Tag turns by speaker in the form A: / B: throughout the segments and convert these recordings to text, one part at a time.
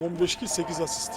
A: 15 kill 8 asist.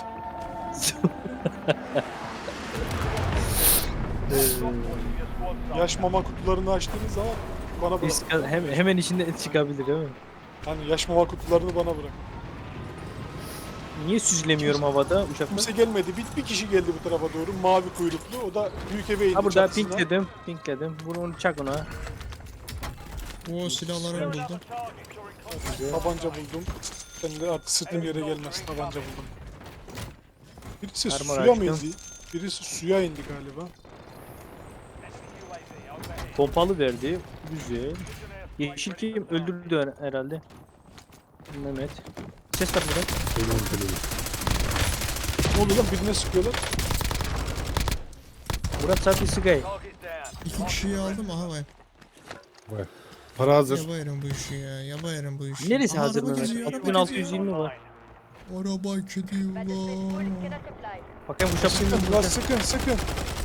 A: Yaş mama kutularını açtığınız zaman bana bırak.
B: Hemen içinde et çıkabilir değil mi?
A: Hani yaş mama kutularını bana bırak.
B: Niye süzülemiyorum havada uçakta?
A: Kimse gelmedi. Bir kişi geldi bu tarafa doğru. Mavi kuyruklu. O da büyük eve indi
B: Ha burada
A: çatısına.
B: pinkledim. Bunu çak ona.
C: O silahları buldum.
A: Tabanca buldum. Ben de artık sırtım yere gelmez. Tabanca buldum. Birisi
B: Armor
A: suya mı
B: açtım.
A: indi? Birisi suya indi galiba.
B: Pompalı verdi. Güzel. Yeşil kim öldürdü herhalde. Mehmet. Ses var burada.
A: Ne oluyor lan? Birine sıkıyorlar.
B: Murat Safi Sigay.
C: 2 kişiyi aldım aha vay.
D: Vay. Para hazır.
C: Yabayarım bu işi ya. Yabayarım bu işi.
B: Neresi
C: Aha,
B: hazır
C: araba
B: Mehmet?
C: geziyor, araba
B: 6620 var.
C: geziyor. Araba gidiyor lan.
B: Bakayım uçak
A: Sıkın
B: bilmiyorum.
A: lan sıkın.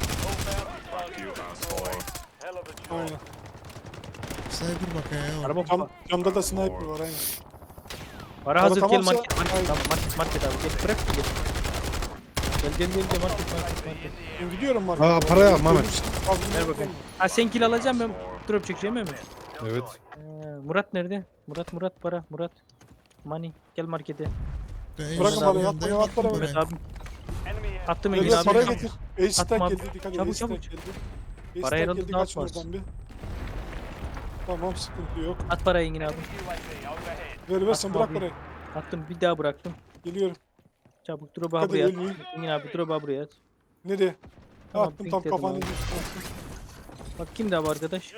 A: Aynen.
C: Sniper bak ya.
B: Araba
A: Camda da sniper var aynen.
B: para hazır gel
A: tamamsa-
B: market.
A: Aynen.
B: Tamam market abi gel bırak gel. Gel market.
A: Ben gidiyorum markete.
D: Aa, parayı al Mehmet.
B: Ver bakayım. Ha sen kill alacağım ben drop çekeceğim mi?
D: Evet.
B: Murat nerede? Murat para Murat. Money gel markete.
A: Bırakın parayı, atmayın, at parayı.
B: Mehmet abi. Attım Engin
A: Gel
B: abi.
A: parayı getir. Ace
B: Attım
A: stack
B: abi.
A: geldi. Dikkat et.
B: Çabuk,
A: Ace stack
B: çabuk.
A: geldi. Ace
B: Parayı
A: stack
B: alıp
A: geldi.
B: ne
A: Kaçın
B: yapmaz?
A: oradan bir. Tamam sıkıntı yok.
B: At parayı Engin abi.
A: Ver sen
B: Atma
A: bırak
B: abi.
A: parayı.
B: Attım bir daha bıraktım.
A: Geliyorum.
B: Çabuk drop'u
A: Hadi
B: buraya at.
A: ölmeyeyim.
B: Engin abi drop'u buraya at.
A: Nereye?
B: Tamam,
A: Attım tam
B: pink dedim
A: kafanı.
B: abi. Bak kim daha bu arkadaş?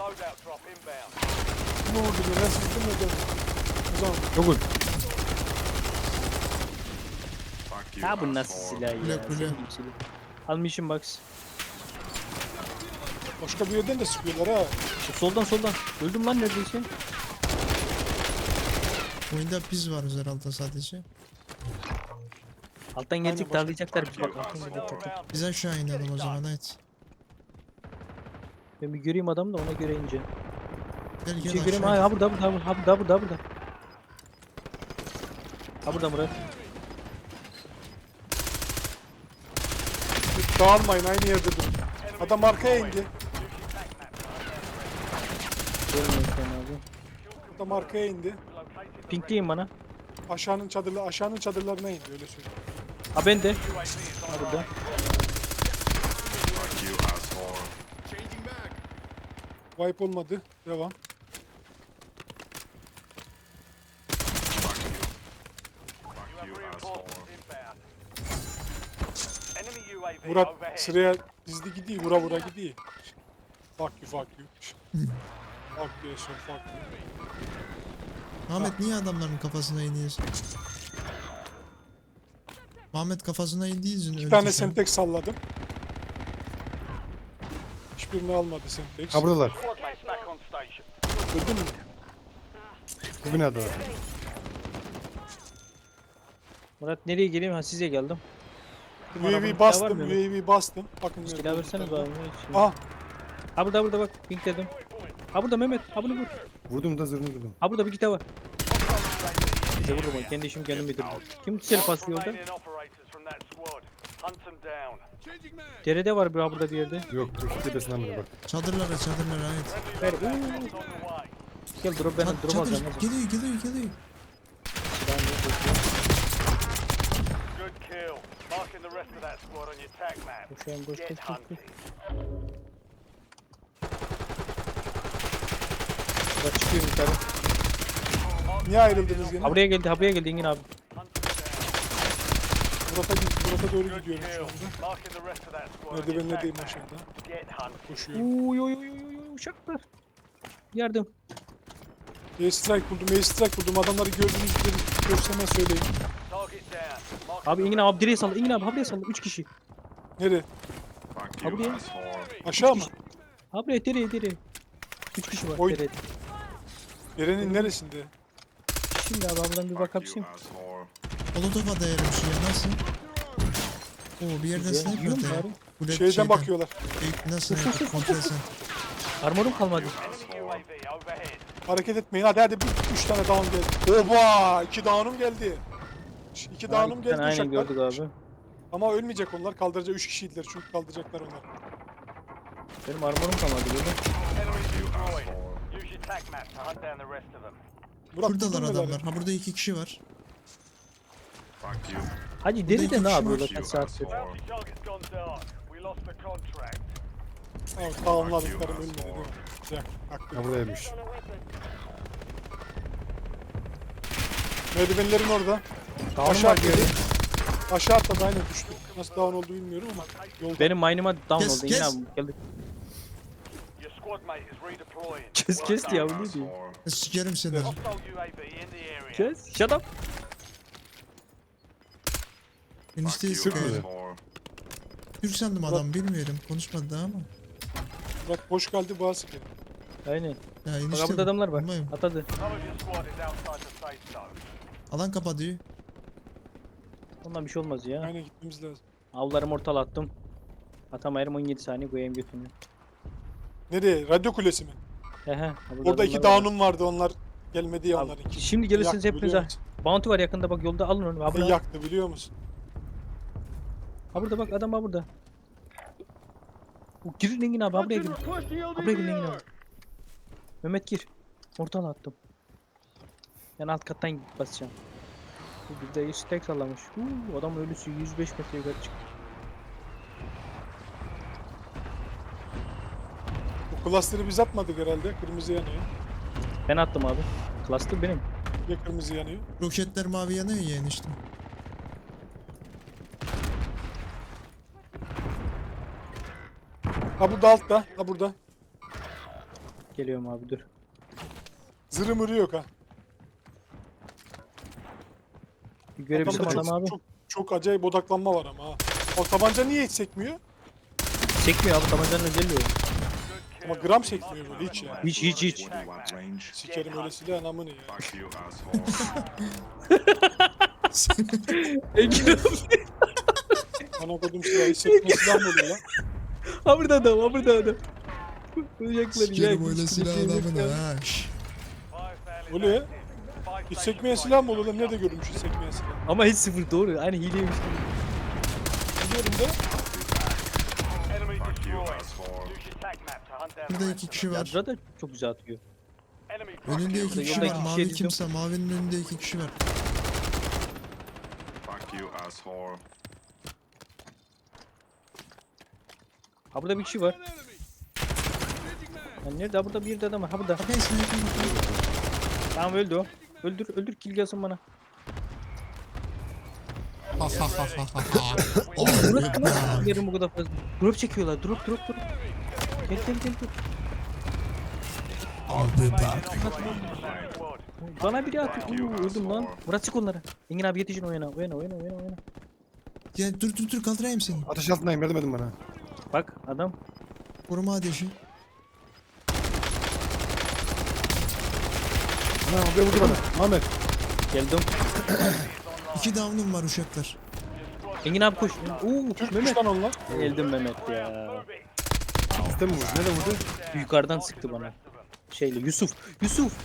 A: Ne oldu be? Ben sıktım ya canım. O zaman
D: Çok uç.
B: Ha bu nasıl silah ya?
C: Kule.
B: Senin gibi silah. Almışım box.
A: başka bir yerden de sıkıyorlar ha.
B: Soldan. Öldüm lan neredeyse.
C: Oyunda biz varız herhalde sadece.
B: Alttan gelecek
A: başka-
B: darlayacaklar bizi bak. Alttan gelecekler.
C: Biz aşağı inelim o zaman evet.
B: Ben bir göreyim adamı da ona göre ince.
C: Gel
B: Bir
C: gel
B: şey göreyim.
C: aşağı.
B: Ha burada. Ha burada Murat.
A: Dağılmayın aynı yerde durun. Adam arkaya indi.
B: Görmüyorum şu an abi.
A: Adam arkaya indi.
B: Pinkleyin bana.
A: Aşağının çadırlarına indi öyle söyleyeyim.
B: Ha ben de. Ha burada.
A: Wipe olmadı. Devam. Murat sıraya dizdi gidiyor. Vura gidiyor. Fuck you. Fuck you son fuck you.
C: Ahmet niye adamların kafasına iniyorsun? Ahmet kafasına indiği için
A: Bir tane Semtex salladım. Hiçbirini almadı Semtex.
D: Ha buradalar.
A: Gördün mü?
D: Bu binada var.
B: Murat nereye geleyim? Ha size geldim. Kim arabanın
A: UAV
B: silahı
A: bastım.
B: var mı?
A: UAV bastım. Bakın
B: Silah
A: nerede
B: versene
A: olduklarını.
B: bana.
A: Ah
B: Ha burada bak. Pinkledim. Ha burada Mehmet. Ha bunu vur.
D: Vurdum da zırhını kırdım.
B: Ha burada bir kitap var. Bize vururum. Kendi işimi kendim bitirdim. Kim seni paslıyor orada? Derede var bir ha burada bir yerde.
D: Yok dur tepesinden bile bak.
C: Çadırlara evet.
B: Ver. Gel drop ben drop
C: Çadır
B: alacağım.
C: geliyor.
B: Silahını yok. Şu an boş koş. Bak çıkıyorum yukarı.
A: niye ayrıldınız gene?
B: Ha buraya geldi Engin abi.
A: Murat'a doğru gidiyorum şu anda. Merdivenlerdeyim aşağıda. Koşuyorum.
B: Uy uçaklar. Yardım.
A: Airstrike buldum. Adamları görseme söyleyin.
B: Abi Engin abi direğe salla. Engin abi habire salla. 3 kişi.
A: Nereye?
B: Ha buraya.
A: Aşağı mı?
B: Ha buraya dereye. 3 kişi var
A: Oy.
B: derede.
A: Yerenin neresinde?
B: Şimdi abi buradan bir bakayım.
C: Molotof'a dayanır bir şey ya nasıl? Oo bir yerde
B: Güzel.
C: sniper
B: Yiyor mu
C: atıyor.
B: bari?
C: Bu da
A: Şeyden bakıyorlar.
C: Nasıl sniper kontrol sen.
B: Armorum kalmadı.
A: Hareket etmeyin. Hadi 3 tane down geldi. Oba! 2 down'um geldi. İki dağınım geldi
B: Aynen
A: uşaklar.
B: gördük abi.
A: Ama ölmeyecek onlar. Kaldıracak 3 kişiydiler çünkü kaldıracaklar onlar.
B: Benim armorum kalmadı böyle.
E: Enemy destroyed. Use your tac map to hunt down the rest of them.
A: Murat,
C: Şuradalar
A: buldun mu
C: adamlar.
A: beni?
C: Ha burada 2 kişi var.
B: Hacı deri de
C: iki
B: ne
C: kişi
B: yapıyorlar
C: var.
B: kaç saattir?
E: Bounty target's gone dark. We lost the contract.
A: Evet, tamamladıklarım ölmedi değil mi? Güzel. Haklı.
D: Ha buradaymış.
A: Merdivenlerin orada.
B: Dağınım
A: Aşağı
B: var
A: atladı.
B: diyorum.
A: Aşağı atladı aynen düştü. Nasıl down oldu bilmiyorum ama yolda.
B: Benim mine'ıma down
C: Kes,
B: oldu. Yine
C: kes.
B: abi geldik.
E: Your squad mate is redeploying.
B: Kes ya bu ne diyor?
C: Sikerim seni.
E: Hostile UAV in the area.
B: Kes. Shut up.
C: Enişteyi
D: Türk
C: sıkıyor.
D: müydü?
C: Türk sandım adam bilmiyorum. Konuşmadı daha ama.
A: Bak hoş geldi bazı sikerim.
B: Aynen.
C: Ya
B: Bak
C: enişte
B: burada adamlar var.
C: bilmiyorum.
B: Atadı.
E: Some of your squad is outside the safe zone.
C: Alan kapatıyor.
B: Ondan bir şey olmaz ya.
A: Aynen gitmemiz lazım.
B: Avlarımı ortala attım. Atamayarım 17 saniye koyayım götünü.
A: Nereye? Radyo kulesi mi?
B: Hehe. ha burada
A: Orada iki
B: adamlar var.
A: down'um vardı onlar gelmedi ya
B: Abi,
A: onların iki.
B: şimdi gelirsiniz
A: Yaktı
B: hepiniz
A: biliyor
B: ha.
A: musun?
B: Bounty var yakında bak yolda alın onu. Ha burada.
A: Yaktı biliyor musun?
B: Ha burada bak adam ha burada. Girin Engin abi ha buraya girin. Ha buraya girin Engin abi. Mehmet gir. Ortala attım. Ben alt kattan basacağım. Bu bir de stack sallamış. Adam ölüsü 105 metre yukarı çıktı.
A: Bu cluster'ı biz atmadık herhalde. Kırmızı yanıyor.
B: Ben attım abi. Cluster benim.
A: Ya kırmızı yanıyor.
C: Roketler mavi yanıyor ya enişte.
A: Ha burada altta. Ha burada.
B: Geliyorum abi dur.
A: Zırı mırı yok ha.
B: Bir görebilsem
A: Adamda
B: adam abi.
A: çok acayip odaklanma var ama ha. O tabanca niye hiç sekmiyor?
B: Çekmiyor abi tabancanın özelliği o.
A: Ama gram sekmiyor böyle hiç ya.
B: Hiç.
A: Sikerim öyle silahın amını ya.
B: Engin abi.
A: Bana kodum silahı hiç sekme silah mı oluyor lan?
B: Ha burada adam ha burada adam. Uyacaklar
C: Sikerim öyle silah adamını ha. Şşş.
A: Oluyor ya. Hiç sekmeyen silah mı olur lan? Nerede görülmüş hiç sekmeyen silah?
B: Ama hiç sıfır doğru. Aynı hileymiş gibi.
A: Biliyorum da.
E: Enemy destroyed. Use your tac map to hunt down the
C: Burada
E: rest
C: 2
E: of
C: kişi
B: Ya
C: var.
B: burada çok güzel atıyor.
E: them. Enemy
C: Önünde 2
E: proximity.
C: kişi
B: Yolda
C: var.
B: iki
C: Mavi
B: kişiye
C: kimse mavinin önünde 2 kişi var.
B: Ha burada bir kişi var. Ya nerede? Ha burada bir de adam var. Ha burada.
C: Bakın sniper.
B: Tamam öldü o. Öldür kill gelsin bana.
C: Ha ha ha ha ha.
B: Drop nasıl yerim bu kadar fazla? Drop çekiyorlar. Drop. Gel.
C: Abi bak.
E: Squad.
B: Bana biri atıyor. Öldüm lan. Murat çık onlara. Engin abi yetişin oyuna.
C: Ya dur kaldırayım seni.
D: Ateş altındayım yardım edin bana.
B: Bak adam.
C: Koruma ateşi.
D: Ha buraya vurdu bana. Ahmet.
B: Geldim.
C: 2 down'um var uşaklar.
B: Engin abi koş.
A: Türkmüş
B: Mehmet.
A: lan onlar.
B: Geldim Mehmet ya.
D: Sistem mi vurdu? Nerede vurdu?
B: Yukarıdan sıktı bana. Şeyle Yusuf.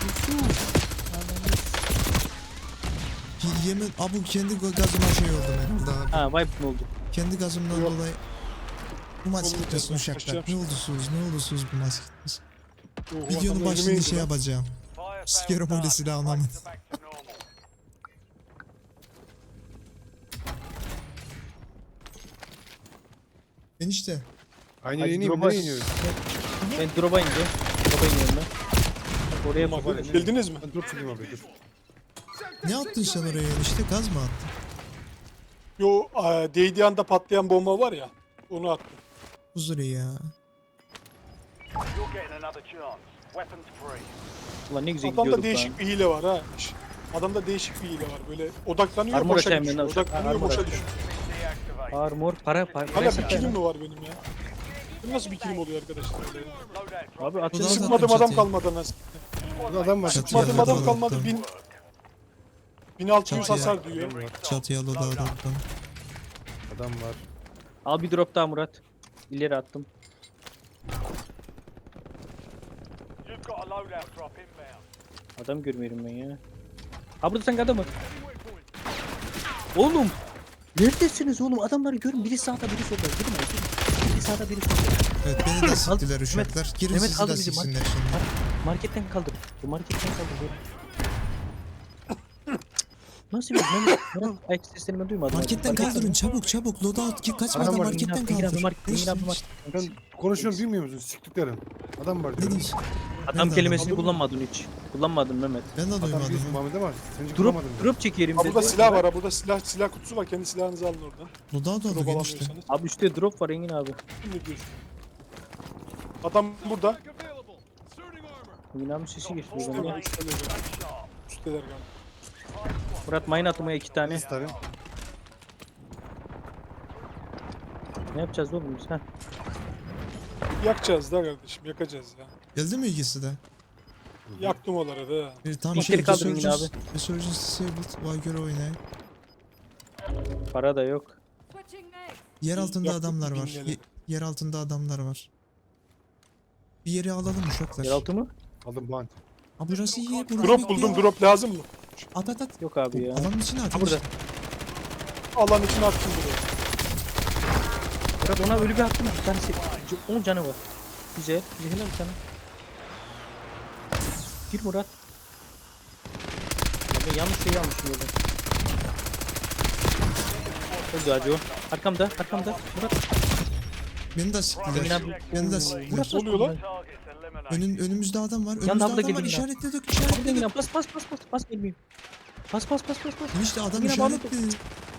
C: Yemin abu kendi gazıma şey oldu herhalde abi.
B: Ha wipe mi oldu?
C: Kendi gazımdan dolayı. Bu maç
A: Olur,
C: gitmesin
A: ben
C: uşaklar.
A: kaçacağım
C: Ne olursunuz bu maç gitmesin.
A: Oh,
C: Videonun
A: adam
C: başında
A: önüme
C: şey
A: indi lan.
C: yapacağım.
E: Fire
C: Sikerim
E: failed
C: öyle
E: up.
C: silah
E: Back
C: anlamadım.
E: to normal.
C: Enişte.
D: Aynı
B: Hadi
D: yere ineyim mi?
B: drop'a-
D: Nereye iniyoruz?
B: Ben drop'a ineceğim. ben. Bak oraya
A: Bak,
B: bak.
A: bildiniz mi?
D: Ben drop çekeyim abi dur.
C: Ne attın sen oraya enişte? Gaz mı attın?
A: Yo değdiği anda patlayan bomba var ya. Onu attım.
C: Huzuru ya.
E: You're getting another chance. Weapons free.
B: Ulan ne güzel
A: Adamda
B: gidiyorduk
A: değişik
B: lan.
A: bir hile var ha. Adamda değişik bir hile var. Böyle odaklanıyor
B: Armor
A: boşa
B: atayım
A: düşüyor.
B: ben de.
A: Odaklanıyor
B: Armor
A: boşa
B: atayım.
A: düşüyor.
E: Deactivate.
B: Armor para.
A: Hala bir
B: satayım.
A: kilim mi var benim ya? Bu nasıl bir kilim oluyor arkadaşlar? Öyle?
E: Loadout drop.
B: Abi
C: Bu da
B: atın.
C: zaten
A: Sıkmadım adam
C: çatıya.
A: kalmadı nasıl?
D: Burada adam var.
C: Çatıya
A: Sıkmadım
C: Çatıya
A: adam kalmadı.
C: attım.
A: 1600
C: Çatıya.
A: hasar diyor.
C: Çatıya loda attım.
D: Adam var.
B: Al bir drop daha Murat. İleri attım.
E: You've got a loadout drop inbound.
B: Adam görmüyorum ben ya. Ha burada sanki adam var. Oğlum. Neredesiniz oğlum? Adamları görün. Biri sağda biri solda. Gidin abi. Biri sağda biri solda.
C: Evet beni de siktiler
B: Mehmet-
C: uşaklar. Girin
B: Mehmet
C: sizi
B: kaldır
C: de
B: bizi,
C: siksinler şimdi.
B: Marketten kaldır. Bu marketten kaldır. Nasıl bir Mehmet? Murat ayak seslerimi duymadım.
C: Marketten
B: Marketten-
C: kaldırın çabuk çabuk. Loadout ki kaçmadan
D: Adam var,
C: marketten
B: Engin abi,
C: kaldır.
B: market, Engin abi,
C: Ne
B: market.
D: Ben konuşuyorum bilmiyor musun? Siktiklerim. Adam var diyorum.
C: diyorsun?
B: Adam
C: Nerede
B: kelimesini
A: adam?
B: kullanmadın hiç. Kullanmadın Mehmet.
C: Ben de
D: Adam
C: duymadım.
D: diyorsun
C: ya.
D: Muhammed ama seni
B: Drop,
D: bulamadım.
B: drop çekerim
A: Ha
B: dedi.
A: burada silah var ha. Burada silah kutusu var. Kendi silahınızı alın oradan.
C: Loadout oldu
A: Drop
C: genişte.
A: alamıyorsanız.
B: Abi üstte drop var Engin abi.
A: Ne diyorsun? Adam burada.
B: Engin abi sesi geçti.
A: Üsteler,
B: buradan ya.
A: üsteler. Üsteler galiba.
B: Murat mine atmaya 2 tane.
D: Bir tane.
B: Ne yapacağız oğlum biz? Heh.
A: Yakacağız da kardeşim. Yakacağız ya.
C: Geldi mi ikisi de?
A: Yaktım onları da.
C: Bir tam
B: İlkleri
C: şey
B: kaldırın yine
C: Resurgence Disabled. Vay göre oynayın.
B: Para da yok.
C: Yer altında
A: Yaktık
C: adamlar
A: bu
C: var.
A: binleri.
C: Yer altında adamlar var. Bir yeri alalım uşaklar.
B: Yeraltı mı?
D: Aldım bant.
C: Aa burası iyi. Burası
A: Drop
C: iyi.
A: buldum. Drop lazım mı?
C: At at at.
B: Yok abi ya.
C: Alanın içine at.
B: Ha burada.
A: Alan içine attım buraya.
B: Murat ona ölü bir hakkım var. Bir tanesi. 10 canı var. Güzel. Güzel bir tane. Gir Murat. Ben yanlış şeyi almışım orada. Öldü acı o. Arkamda. Murat.
C: Beni de
B: Engin
C: siktiler.
B: abi.
C: Beni de
B: Oo,
C: siktiler.
B: Murat
A: Ne oluyor lan?
E: Targets eliminated.
C: Önümüzde adam var. Önümüzde
B: Yanında abla
C: adam var.
B: gelin ya.
C: İşaretledik.
B: Abi Engin
C: İşaretledik.
B: abi bas gelmeyeyim. Bas.
C: İşte adam
B: Engin abi aldı.
C: işaretledi.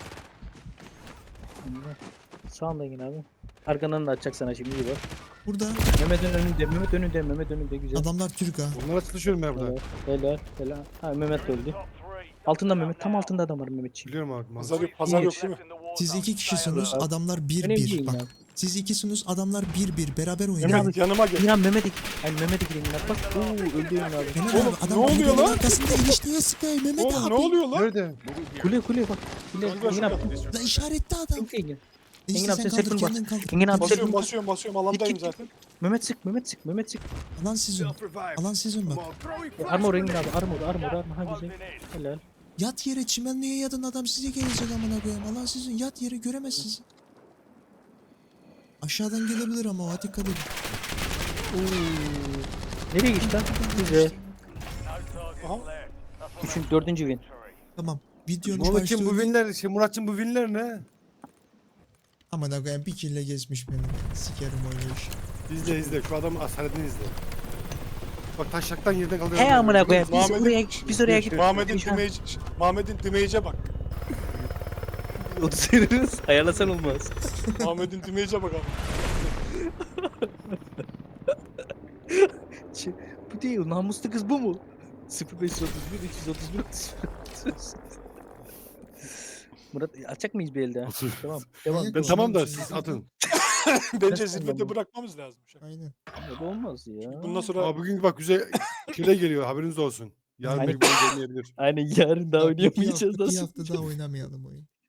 B: Sağında Engin abi. Arkandan da açacak sana şimdi iyi bak.
C: Burada
B: Mehmet önünde güzel.
C: adamlar Türk ha.
D: Onlara çalışıyorum ben burada.
B: Helal. Ha Mehmet de öldü.
E: Top three.
B: Altında Mehmet. Tam altında adam var Mehmetçiğim.
D: Biliyorum abi.
A: Pazar yok
B: İyi.
A: değil mi?
E: In the war
C: Siz
E: zone.
C: iki kişisiniz.
B: Abi.
C: Adamlar
B: Önemli
C: 1-1.
B: değil
C: Bak.
B: ya.
C: Siz ikisiniz. Adamlar 1-1. Beraber
B: Engin
C: oynayın.
B: abi.
A: Yanıma gel.
B: Engin abi Mehmet'e gireyim lan. Bak. Öldü Engin abi.
C: Mehmet
A: Oğlum,
C: abi adam
A: ne oluyor
C: kulübenin
A: lan?
C: arkasında enişteye sıkıyor Mehmet
A: Oğlum
C: abi.
A: ne oluyor lan?
D: Nerede?
B: Kule bak. Engin abi.
C: La işaretli adam.
B: Çok Engin.
C: Enişte
B: abi
C: sen
B: sen
C: kaldır
B: sakın
C: kendin kaldır.
B: Engin abi
A: Basıyorum
B: sen
A: basıyorum. Alandayım
B: Git.
A: zaten.
B: Mehmet sık.
C: Alan sizin. Alan sizin bak.
B: Armor Engin abi. Armor. Ha güzel.
E: Closing in.
B: Helal.
C: Yat yere çimenliğe yadın adam size gelecek amına koyayım. Alan sizin. Yat yere göremez sizi. Aşağıdan gelebilir ama o dikkat edin.
B: Nereye geçti lan? Güzel.
E: No targets
A: Aha.
E: left. That's what
B: 4. win.
E: victory.
C: Tamam. Videonun
D: Muhammed'cim
C: başlığı
D: bu winler, Murat'cım bu winler ne?
C: Amına koyayım bir kille geçmiş beni. Sikerim oynayış.
D: İzle şu adam asaletini izle. Bak taşaktan yerden kalıyor.
B: He amına koyayım.
A: Muhammed'in-
B: Biz oraya gittik.
A: Muhammed'in damage'e bak.
B: 30 veririz. Ayarlasan olmaz.
A: Muhammed'in damage'e bak abi.
B: Bu değil. Namuslu kız bu mu? 0531 331 30. Murat açacak mıyız bir elde? Tamam. Devam.
C: Ben
D: Ben tamam da siz atın.
A: Bence
B: Nasıl
A: zirvede
B: anlamı?
A: bırakmamız lazım.
C: Aynen.
B: Bu olmaz ya.
A: Bundan sonra
D: Ama bugün bak güzel şeyler geliyor haberiniz olsun. Yarın
B: Aynen.
D: belki böyle gelmeyebilir.
B: Aynen yarın daha
C: Bir
B: oynayamayacağız
C: hafta
B: aslında.
C: daha oynamayalım oyun.